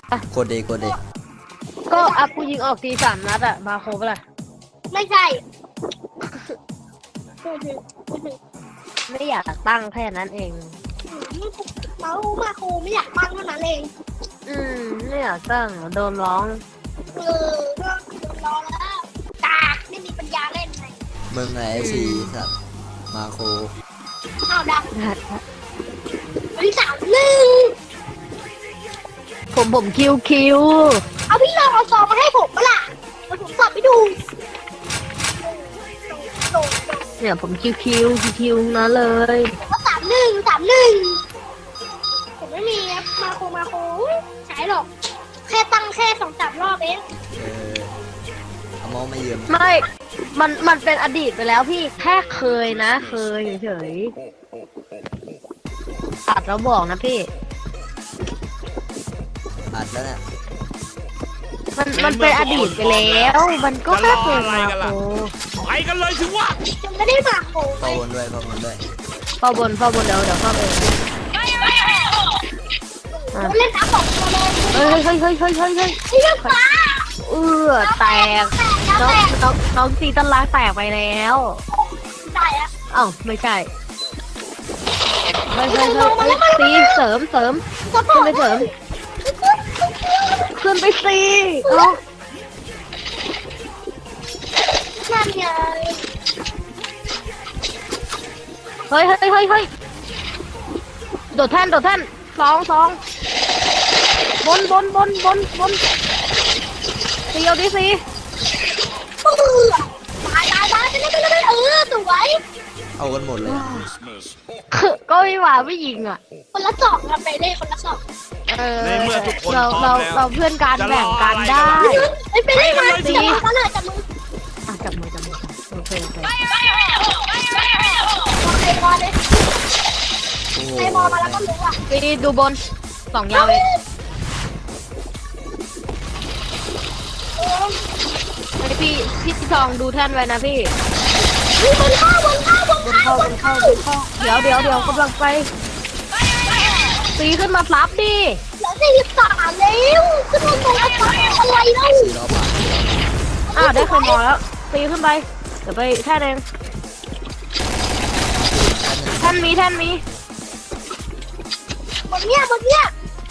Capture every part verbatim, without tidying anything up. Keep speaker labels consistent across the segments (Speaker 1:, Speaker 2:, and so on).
Speaker 1: กดเดกดเด
Speaker 2: ก็อัพกูยิงออกทีสามนัดอะมาโครบอะไร
Speaker 3: ไม่ใช่
Speaker 2: ไม่อยากตั้งแค่นั้นเอง
Speaker 3: เรามาครูไม่อยากตั้งเท่านั้นเอง
Speaker 2: อืมไม่อยากตั้งโดนร้อง
Speaker 3: เออเรื่องรอแล้วตาไม่มีปัญญาเล่นไง
Speaker 1: มึงไงไอซีสัตว์มาโค
Speaker 3: อ้าวดังวันที่สามหนึ่ง
Speaker 2: ผมผมคิวคิว
Speaker 3: เอาพี่ลองเอาซองมาให้ผมปะล่ะมาผมสอบไปดู
Speaker 2: เนี่ยผมคิวคิวคิวคิวนะเลย
Speaker 3: ก็สามหนึ่งสามหนึ่งผมไม่มีครับมาโคมาโคใช้หรอก แค่ตั้งแค่สองสามรอบเอง
Speaker 1: เออเอามองไม่เยืม
Speaker 2: ไม่ มันมันเป็นอดีตไปแล้วพี่แค่เคยนะ เคยเฉยๆตัดแล้วบอกนะพี่
Speaker 1: อัดแล้วเนี่ย
Speaker 2: มันมันเป็นอดีตไปแล้ว มันก็แค่เคยมาโค
Speaker 4: ไปกันเลยสิวะ
Speaker 3: ยังไม่ได้มาโค
Speaker 1: เข้าบนด้วยเข้าบนด้วย
Speaker 2: เข้าบนเข้าบนเดี๋ยวเดี๋ยวเข้าไปอ่ะ
Speaker 3: เล่นน้ำสองตัวเลย
Speaker 2: เฮ้ยเฮ้ยเฮ้ยเฮ้ยเฮ้ยเฮ้ย
Speaker 3: ไอ้เรื่องฟ้า
Speaker 2: เออแตกน้องน้องน้องซีตันลากแตกไปแล้ว
Speaker 3: ได้อะ
Speaker 2: เอ้าไม่ใช่เฮ้ยเฮ้ยเฮ้ยเฮ้ยซีเสริมเสริม
Speaker 3: ก็พอ
Speaker 2: ขึ้นไปเสริมขึ้นไปซีเอ้า
Speaker 3: นั่นไง
Speaker 2: เฮ้ยเฮ้ยเฮ้ยเฮ้ยโดดแท่นโดดแท่นสองสองบนบนบนบนบนซีเอาดิซี
Speaker 3: เออตายตายตายไปเลยไปเลยเออสวย
Speaker 1: เอากันหมดเลย
Speaker 2: คือก็ไม่หวาไม่ยิงอ่ะ
Speaker 3: คนละสองกันไปเลยคนละสอง
Speaker 2: เออ
Speaker 4: ในเมื่อทุกคน
Speaker 2: เรา
Speaker 4: พร้
Speaker 2: เรา
Speaker 4: อมแล้ว
Speaker 2: เราเพื่อนกันแบ่งกันได้
Speaker 3: ไอ้ไปเลยมาจับมือกันเลยจับมือ
Speaker 2: อ่ะจับมือจับมือโอเคโอเค
Speaker 3: ไอ้บอลเลย
Speaker 1: โอ้โห
Speaker 3: ไอ้บอลมาแล้วก็รู้อ่ะ
Speaker 2: ซีดูบนสองยาวเองไอพี่พี่ทองดูแท่นไว้นะพี่
Speaker 3: มีบนเข้าบนเข้าบน
Speaker 2: บนเข้าบนเข้าบนเข้าเดี๋ยวเดี๋ยวเดี๋ยวกำลังไปตีขึ้นมาซับดิ
Speaker 3: เหลือสี่สิบสามแล้วขึ้นมาตรงอัตราอะไรเล่า
Speaker 1: สี่รอบอ่ะ
Speaker 2: อ้าวได้เคยมอแล้วตีขึ้นไปเดี๋ยวไปแท่นเองแท่นมีแท่นมี
Speaker 3: บนเนี้ยบนเนี้ย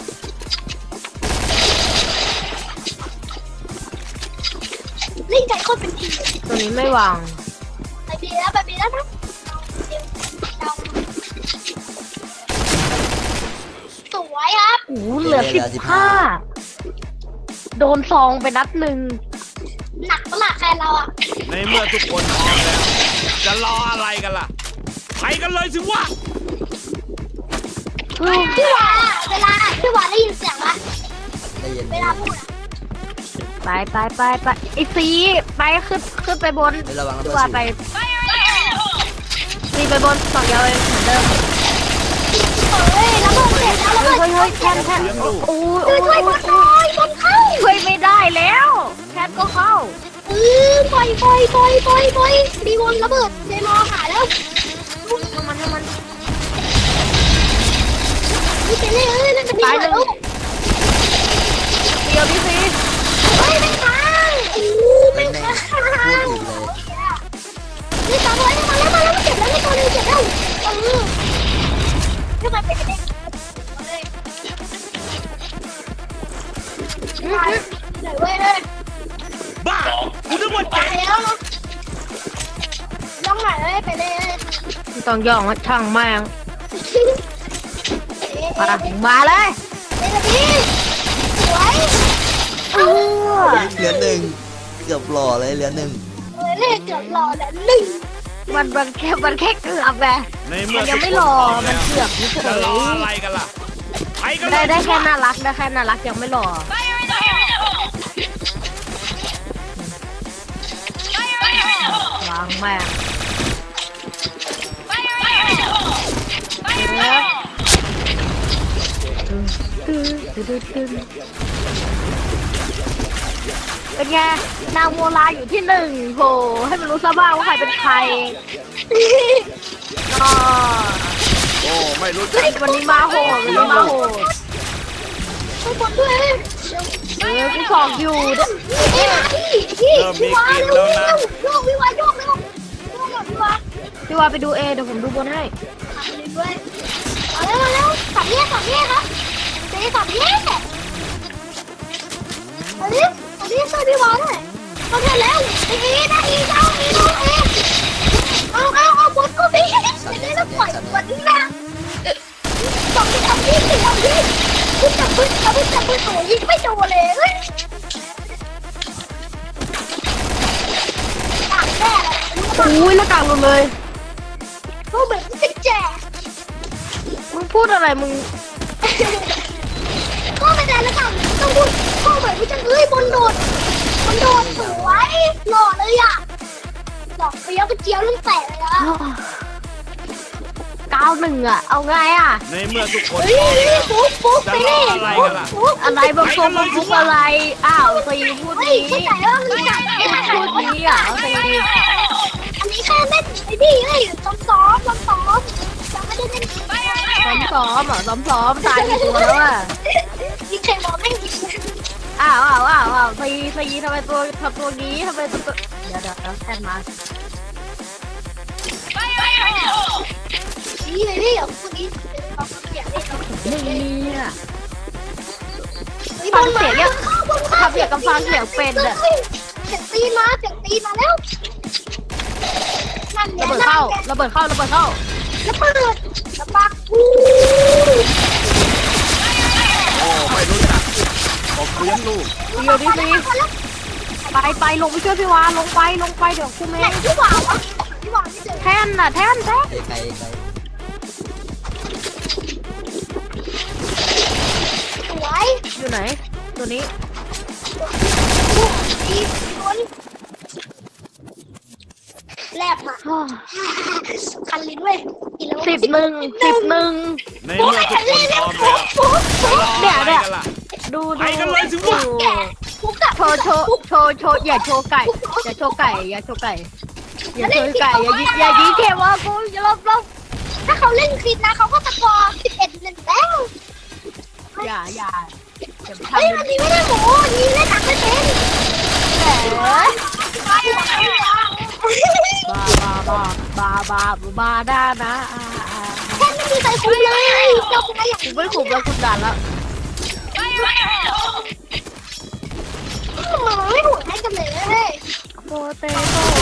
Speaker 3: เล่นไก่โคตรเป็นที
Speaker 2: ตัวนี้ไม่วาง
Speaker 3: ไปบีแล้วไปบีแล้วนะสวยครับ
Speaker 2: โอ้โหเหลือสิบห้าโดนซองไปนัดหนึ่ง
Speaker 3: หนักปะล่ะใครเราอ่ะ
Speaker 4: ในเมื่อทุกคนพร้อมแล้ว จะรออะไรกันล่ะ ไปกันเลยสิวะ
Speaker 3: พี่วาเวลาพี่วาได้ยินเสียงปะ
Speaker 1: ได้ยิน
Speaker 3: เวลาพูดอะ
Speaker 2: ไปไปไปไปไอซีไปขึ้นขึ้นไปบน
Speaker 1: ไม่ระวังระ
Speaker 2: ดี
Speaker 1: เบิด
Speaker 2: กว่า
Speaker 1: สิ
Speaker 2: ไปซีไปบนสองยาวเองเหมือนเดิม
Speaker 3: เฮ้ยแล้วบอลเสร็จแล้วแล้วบอล
Speaker 2: เฮ้ยเฮ้ยแท่นแท่นโอ้ย
Speaker 3: ช่
Speaker 2: โอ้
Speaker 3: วย
Speaker 2: ย
Speaker 3: ช่วยบอลหน่อยบอลเข้า
Speaker 2: ช่วยไม่ได้แล้วแท่นก็เข้า
Speaker 3: เออปล่อยปล่อยปล่อยปล่อยปล่อยมีบอลระเบิดเจมอหาแล้ว
Speaker 2: ทำมันทำมัน
Speaker 3: นี่เป็นเลยเอ้ยนั่นเป็นดีเลยลูก
Speaker 2: เดียวดิซี
Speaker 3: เฮ้ยไม่ค้างโอ้ไม่
Speaker 1: แม่ง
Speaker 3: ค้าง
Speaker 1: พูดอีกเลย
Speaker 3: นี่ตามไว้มาแล้วมาแล้วมาเจ็บแล้วนี่ตัวนึงเจ็บแล้วเออทำไมเป็นเด็กไหนเว้ยเลย
Speaker 4: บ้าคุณนึกว่า
Speaker 3: ไป
Speaker 4: เจ๋ง
Speaker 3: แล้วเนาะย่องไหนเลยไปเลย
Speaker 2: ต้องย่องว่าช่างแม่ง
Speaker 3: เอ๊ะ
Speaker 2: มา
Speaker 3: เอ๊ะ
Speaker 2: มาเลย
Speaker 3: เอ๊ะพี่สวย
Speaker 2: เออ
Speaker 1: เหลือหนึ่งเกือบหล่อเลยเหลือหนึ่ง
Speaker 3: เออเลขเกือบหล่อแล้วหนึ่ง
Speaker 2: มันมันแค่มันแค่เกือบไง
Speaker 4: ใน
Speaker 2: มั
Speaker 4: เมื่อน
Speaker 2: ยั
Speaker 4: ทุ
Speaker 2: ง
Speaker 4: ก
Speaker 2: ไม่
Speaker 4: คน
Speaker 2: รอ
Speaker 4: พร้อม
Speaker 2: มัน
Speaker 4: แล้ว
Speaker 2: เกือบเฉ
Speaker 4: จะรอย อะไร
Speaker 2: ๆ
Speaker 4: กันล่ะ ไปกันเล
Speaker 2: ได้
Speaker 4: ย
Speaker 2: ได้
Speaker 4: สิ
Speaker 2: แค่
Speaker 4: วะ
Speaker 2: น่ารักได้แค่น่ารักยังไม่หล่อวางแม่งเป็นไงนางโมลาอยู่ที่หนึ่งโหให้มันรู้ซะบ้างว่าใครเป็นใครอ๋อ
Speaker 4: โอ้ไม่รู้จัก
Speaker 2: วันนี้มาโหดวันนี้มาโหด
Speaker 3: ไปบนด้วย
Speaker 2: เออกูสองอยู่เนี่ย
Speaker 3: เอ้ยมาพี่พี่พี่วาเร็วเร็วโยกพี่วาโยกเร็วโยกแบบพี่วา
Speaker 2: พี่ว่าไปดูเอเดี๋ยวผมดูบนให้
Speaker 3: ขับเลยด้วยเอาเร็วเร็วสับแยกสับแยกครับเจ๊สับแยกเอาดิเอาดิช่วยพี่วาหน่อยเอาเถอะแล้วอีนะอีเอาอีเอาเอเอาเอาเอาบนก็พี่จะได้แล้วปล่อยบนนะสองที่ทำยี่สิบทำยี่สิบจับปืนจับปืนจับปืนโอ้ยิงไม่โดนเลยเฮ้ยต่างแน่เลย
Speaker 2: อุ้ยหน้ากากหลุดเลย
Speaker 3: ก็เหมือนจะแจก
Speaker 2: มึงพูดอะไรมึง
Speaker 3: ก็ไม่ได้แล้วกันต้องพูดก็เหมือนว่าจะเอ้ยบนโดดบนโดดสวยหล่อเลยอ่ะหล่อเฟี้ยวกระเจียวลูกแตกเลยอ่ะ
Speaker 2: เก้าหนึ่งอ่ะเอาไงอ่ะ
Speaker 4: ในเมื่อทุกคน
Speaker 3: เฮ้ยนี่ปุ๊บปุ๊บไปนี่ปุ๊บปุ๊บ
Speaker 2: อะไรบางตัวบางทุกอะไรอ้าวซีพูด
Speaker 3: เฮ้ย
Speaker 2: นี้
Speaker 3: เข้าใจว่ามันจับไม่ได้
Speaker 2: พูดนี้อ่ะซี
Speaker 3: อันนี้แค่เล่นไอ้นี่เฮ้ยซ้อมซ้อมซ้อมซ้อมยังไม่ได้เล่น
Speaker 2: ซ้อมซ้อมอ่ะซ้อมซ้อมตายกี่ตัวแล้วอ่ะ
Speaker 3: ยิงใครมองไม่ยิง
Speaker 2: อ้าวอ้าวอ้าวอ้าวซีซีทำไมตัวทำตัวนี้ทำไมตัวเดี๋ยวเดี๋ยวเดี๋ยวแทนมา
Speaker 3: นี่เลยพี่เดี๋ยวพวกนี้เอาเสียงนี่
Speaker 2: นี่อ่ะ
Speaker 3: บนมาทำเสียงกับฟังเสียงเป็นอ่ะเสียงตีมาเสียงตีมาแล้วนั่นเนี่
Speaker 2: ระ
Speaker 3: ย
Speaker 2: เบิดเข้าระเบิดเข้าระเบิดเข้า
Speaker 3: ระเบิดระปักอู้
Speaker 4: โอ้ไม่รู้จักผมเลี้ยงลูก
Speaker 2: เดี๋ยวดิซีไปไปลงไปช่วยพี่วาลงไปลงไปเดี๋ยวกูเม
Speaker 3: ไหน
Speaker 2: ง
Speaker 3: ที่หวานวะที่หวานไม่เจอ
Speaker 2: แท่นน่ะแท่นแท่น
Speaker 1: ไกลไกลไกล
Speaker 3: สวย
Speaker 2: อยู่ไหนตัวนี้
Speaker 3: ดีโดนแลบมาคันลิ้นเว้ยกินแล้ว
Speaker 2: สิบหนึ่งสิบหนึ่ง
Speaker 4: ในเมื่อทุกคนพร้อมแล้วจะรออะไรกันล่ะ
Speaker 2: ดู
Speaker 4: ไป
Speaker 2: ดู
Speaker 4: กันเลยสิวะ
Speaker 3: แกคุกอะ
Speaker 2: โชว์โชว์โชว์โชว์อย่าโชว์ไก่อย่าโชว์ไก่อย่าโชว์ไก่อย่าโชว์ไก่อย่ายิงอย่ายิงเทวะกูอย่าลบลบ
Speaker 3: ถ้าเขาเล่นคลิปนะเขาก็ตะกอสิบเอ็ดเล่นแล้ว
Speaker 2: อย่าอย่าอย่าไป
Speaker 3: เฮ้ย
Speaker 2: ทำ
Speaker 3: อันนี้ไม่ได้หมูนี่เล่นหนักไม่เป็น
Speaker 2: แหม
Speaker 3: บ้าบ้า
Speaker 2: บาบาบาบาบาบาด้านะอ่าอ่า
Speaker 3: แค่ไม่มีใครคุ้มเลยเราเป็นอะไรอย่าง
Speaker 2: กูไม่ขุมแล้วคุณด่านแล้ว
Speaker 3: มันไม่หุ่นให้กันเลย
Speaker 2: โปเตโต้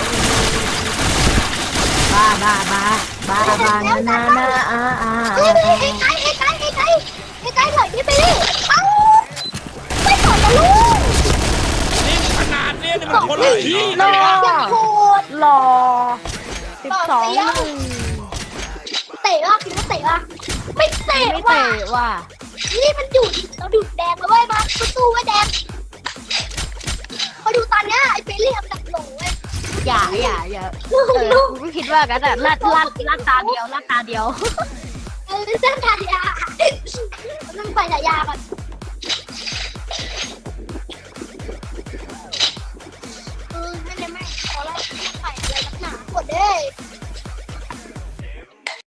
Speaker 2: บาบาบาบาบานานานาอ่าอ่า
Speaker 3: เฮ้ยไอ้ไก่ไอ้ไก่ไอ้ไก่ไอ้ไก่ถอยนี่ไปดิเอ้าไม่ถอยนะลูก
Speaker 4: นี่ขนาดนี้นี่มันคนละที่
Speaker 2: หล่อ
Speaker 3: อย่างโหด
Speaker 2: หล่อสิบสองหนึ่ง
Speaker 3: เตะว่ะคิดว่าเตะว่ะไม่เตะ
Speaker 2: ไม่
Speaker 3: ว่ะ
Speaker 2: เตะว่ะ
Speaker 3: นี่มันดูดเราดูดแดงมาเว้ยมาสู้ไว้แดงมาดูตอนเนี้ยไอ้เฟรลี่ทำแบบหลงเว้ย
Speaker 2: อย่าอย่าอย่า
Speaker 3: ลูก
Speaker 2: เออ
Speaker 3: ลูก
Speaker 2: กูก็คิดว่ากันแต่ลัดลัดลัดตาเดียวลัดตาเดียว
Speaker 3: เออเส้นทางยาต้องไปฉายาก่อนเออไม่เลยไม่ขอไล่ไปอะไรนักหนากดเด้